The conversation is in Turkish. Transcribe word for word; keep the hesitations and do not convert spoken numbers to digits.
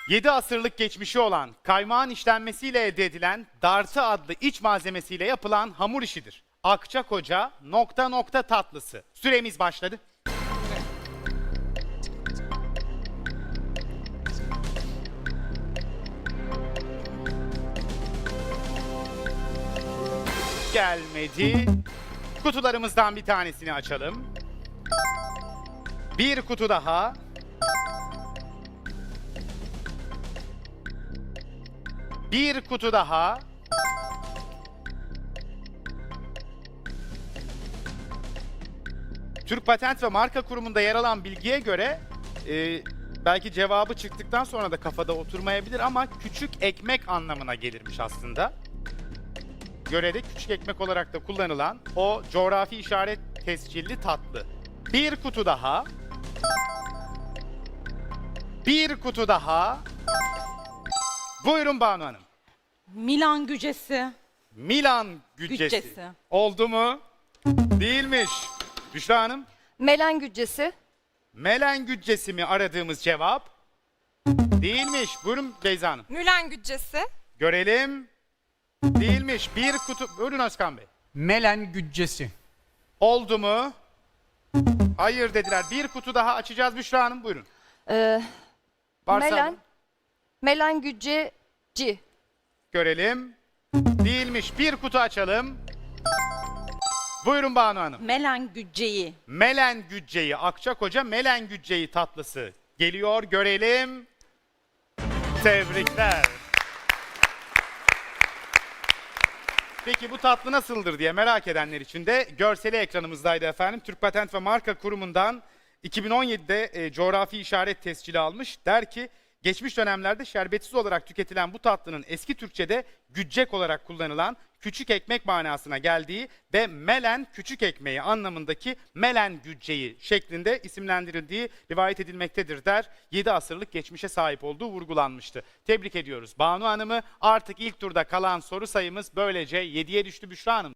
yedi asırlık geçmişi olan kaymağın işlenmesiyle elde edilen dartı adlı iç malzemesiyle yapılan hamur işidir. Akçakoca nokta nokta tatlısı. Süremiz başladı. Gelmedi. Kutularımızdan bir tanesini açalım. Bir kutu daha. Bir kutu daha. Türk Patent ve Marka Kurumu'nda yer alan bilgiye göre e, belki cevabı çıktıktan sonra da kafada oturmayabilir ama küçük ekmek anlamına gelirmiş aslında. Görede küçük ekmek olarak da kullanılan o coğrafi işaret tescilli tatlı. Bir kutu daha. Bir kutu daha. Buyurun Banu Hanım. Milan gücesi. Milan güccesi. Güccesi. Oldu mu? Değilmiş. Büşra Hanım. Melen güccesi. Melen güccesi mi aradığımız cevap? Değilmiş. Buyurun Beyza Hanım. Mülen güccesi. Görelim. Değilmiş. Bir kutu... Buyurun Özkan Bey. Melen güccesi. Oldu mu? Hayır dediler. Bir kutu daha açacağız Büşra Hanım. Buyurun. Ee, Varsa melen. Melen gücceci. görelim. Değilmiş. Bir kutu açalım. Buyurun Banu Hanım. Melen gücceyi. Melen gücceyi, Akçakoca Melen gücceyi tatlısı geliyor, görelim. Tebrikler. Peki bu tatlı nasıldır diye merak edenler için de görseli ekranımızdaydı efendim. Türk Patent ve Marka Kurumu'ndan iki bin on yedide e, coğrafi işaret tescili almış. Der ki geçmiş dönemlerde şerbetsiz olarak tüketilen bu tatlının eski Türkçe'de güccek olarak kullanılan küçük ekmek manasına geldiği ve melen küçük ekmeği anlamındaki melen gücceyi şeklinde isimlendirildiği rivayet edilmektedir der. yedi asırlık geçmişe sahip olduğu vurgulanmıştı. Tebrik ediyoruz Banu Hanım'ı. Artık ilk turda kalan soru sayımız böylece yediye düştü Büşra Hanım.